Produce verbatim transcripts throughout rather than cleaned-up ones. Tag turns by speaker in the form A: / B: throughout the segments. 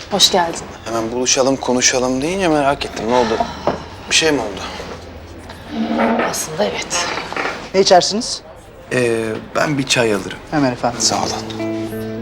A: Hoş geldin.
B: Hemen buluşalım, konuşalım deyince merak ettim. Ne oldu? Bir şey mi oldu?
A: Aslında evet.
C: Ne içersiniz?
B: Ee, ben bir çay alırım.
C: Hemen efendim.
B: Sağ olun.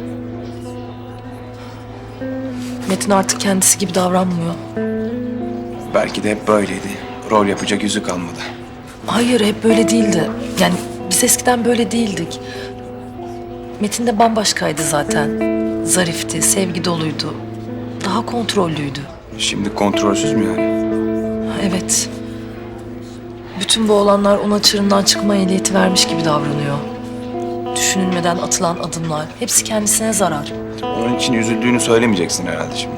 A: Metin artık kendisi gibi davranmıyor.
B: Belki de hep böyleydi. Rol yapacak yüzü kalmadı.
A: Hayır, hep böyle değildi. Yani biz eskiden böyle değildik. Metin de bambaşkaydı zaten. Zarifti, sevgi doluydu. Daha kontrollüydü.
B: Şimdi kontrolsüz mü yani?
A: Evet. Bütün bu olanlar ona çığırından çıkma ehliyeti vermiş gibi davranıyor. Düşünülmeden atılan adımlar, hepsi kendisine zarar.
B: Onun için üzüldüğünü söylemeyeceksin herhalde şimdi.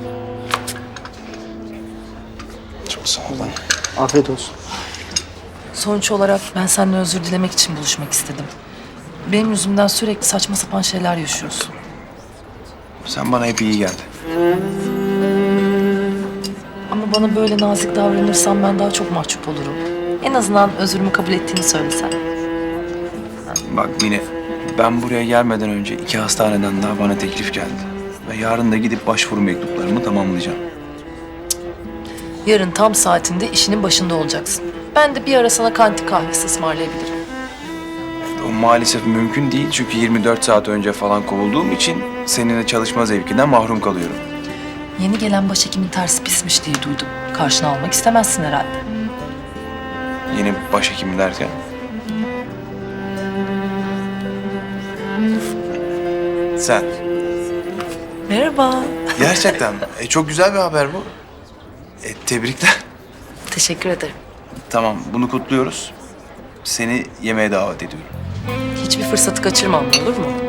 B: Çok sağ ol lan.
C: Afiyet olsun.
A: Sonuç olarak ben seninle özür dilemek için buluşmak istedim. Benim yüzümden sürekli saçma sapan şeyler yaşıyorsun.
B: Sen bana hep iyi geldin.
A: Ama bana böyle nazik davranırsan ben daha çok mahcup olurum. En azından özrümü kabul ettiğini söylesen.
B: Bak Mine, ben buraya gelmeden önce iki hastaneden daha bana teklif geldi. Ve yarın da gidip başvuru mektuplarımı tamamlayacağım.
A: Yarın tam saatinde işinin başında olacaksın. Ben de bir ara sana kanti kahvesi ısmarlayabilirim.
B: O maalesef mümkün değil çünkü yirmi dört saat önce falan kovulduğum için seninle çalışma zevkinden mahrum kalıyorum.
A: Yeni gelen başhekimin tersi pismiş diye duydum. Karşına almak istemezsin herhalde.
B: Yeni başhekim derken. Sen.
A: Merhaba.
B: Gerçekten mi? E, çok güzel bir haber bu. E, tebrikler.
A: Teşekkür ederim.
B: Tamam, bunu kutluyoruz. Seni yemeğe davet ediyorum.
A: Hiçbir fırsatı kaçırmam, olur mu?